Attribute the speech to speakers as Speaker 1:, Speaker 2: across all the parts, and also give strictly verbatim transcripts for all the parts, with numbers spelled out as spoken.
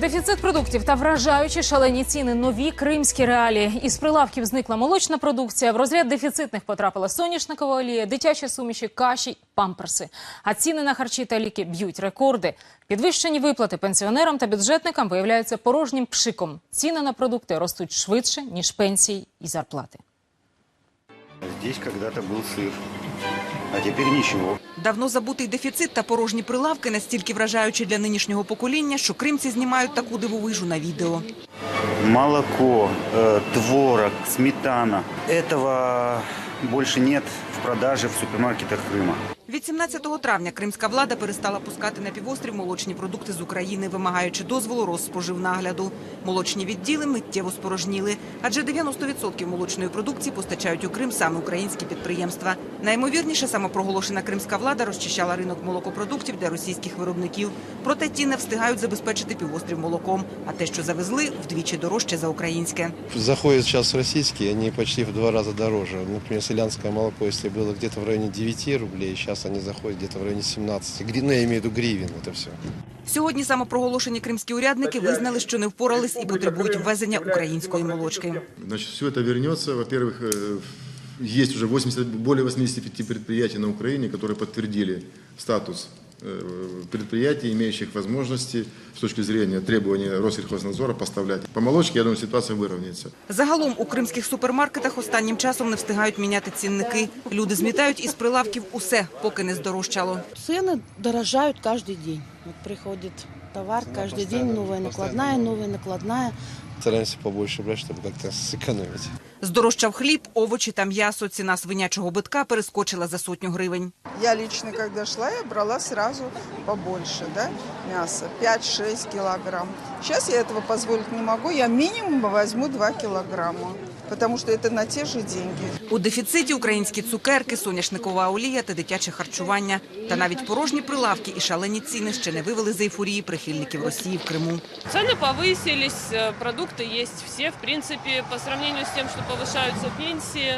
Speaker 1: Дефіцит продуктів та вражаючі шалені ціни – нові кримські реалії. Із прилавків зникла молочна продукція, в розряд дефіцитних потрапила соняшникова олія, дитячі суміші, каші, памперси. А ціни на харчі та ліки б'ють рекорди. Підвищені виплати пенсіонерам та бюджетникам виявляються порожнім пшиком. Ціни на продукти ростуть швидше, ніж пенсії і зарплати.
Speaker 2: Здесь когда-то был сыр, а теперь ничего.
Speaker 3: Давно забутий дефіцит та порожні прилавки настільки вражаючі для нинішнього покоління, що кримці знімають таку дивовижу на відео.
Speaker 2: Молоко, э, творог, сметана. Этого больше нет в продаже в супермаркетах Крыма.
Speaker 3: Від сімнадцятого травня кримська влада перестала пускати на півострів молочні продукти з України, вимагаючи дозволу Розспоживнагляду. Молочні відділи миттєво спорожніли, адже дев'яносто відсотків молочної продукції постачають у Крим саме українські підприємства. Найімовірніше, самопроголошена кримська влада розчищала ринок молокопродуктів для російських виробників. Проте ті не встигають забезпечити півострів молоком, а те, що завезли, вдвічі дорожче за українське.
Speaker 4: Заходят сейчас российские, они почти в два раза дороже. Например, селянское молоко, если было где-то в районе девяти рублей, сейчас они заходят где-то в районе семнадцати. Ну, я имею в виду гривен, это все.
Speaker 3: Сьогодні самопроголошені кримські урядники визнали, що не впорались і потребують ввезення української молочки.
Speaker 5: Значит, все это вернется. Во-первых, есть уже восемьдесят, более восьмидесяти пяти предприятий на Украине, которые подтвердили статус предприятий, имеющих возможности с точки зрения требований Россельхознадзора поставлять. По молочке, я думаю, ситуация выровняется.
Speaker 3: Загалом у кримських супермаркетах останнім часом не встигають міняти цінники. Люди змітають із прилавків усе, поки не здорожчало.
Speaker 6: Цены дорожают каждый день. Вот приходит товар, каждый день новая накладная, новая накладная.
Speaker 4: Стараемся побольше брать, чтобы как-то сэкономить.
Speaker 3: Здорожчав хліб, овочі та м'ясо. Ціна свинячого битка перескочила за сотню гривень.
Speaker 7: Я лично, когда шла, я брала сразу побольше, да, мяса, пять-шесть килограмм. Сейчас я этого позволить не могу, я минимум возьму два килограмма, потому что это на те же деньги.
Speaker 3: У дефіциті українські цукерки, соняшникова олія та дитяче харчування. Та навіть порожні прилавки і шалені ціни ще не вивели з ейфорії прихильників Росії в Криму.
Speaker 8: Цены повысились, продукты есть все, в принципе, по сравнению с тем, что повышаются пенсии,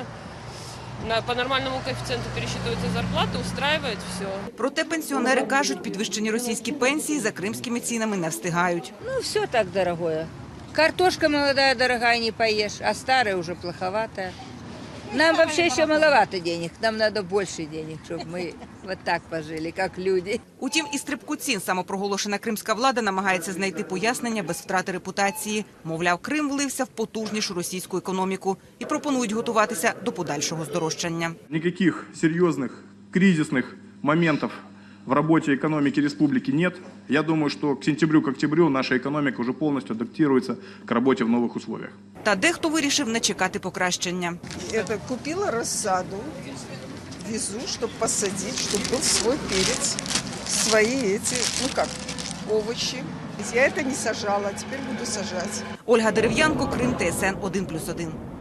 Speaker 8: по нормальному коэффициенту пересчитываются зарплаты, устраивает все.
Speaker 3: Проте пенсіонери кажуть, підвищені російські пенсії за кримськими цінами не встигають.
Speaker 9: Ну, все так дорогое. Картошка молодая, дорогая, не поешь, а старая уже плоховатая. Нам вообще еще маловато денег, нам надо больше денег, чтобы мы вот так пожили, как люди.
Speaker 3: Утім, і стрибку цін самопроголошена кримська влада намагається знайти пояснення без втрати репутації. Мовляв, Крим влився в потужнішу російську економіку і пропонують готуватися до подальшого здорожчання.
Speaker 10: Никаких серьезных кризисных моментов в работе экономики республики нет. Я думаю, что к сентябрю, к октябрю наша экономика уже полностью адаптируется к работе в новых условиях.
Speaker 3: Та дехто вирішив не чекати покращення.
Speaker 7: Это купила рассаду, везу, чтобы посадить, чтобы был свой перец, свои эти, ну как, овощи. Я это не сажала, а теперь буду сажать.
Speaker 3: Ольга Дерев'янко, Крим, Т С Н один плюс один.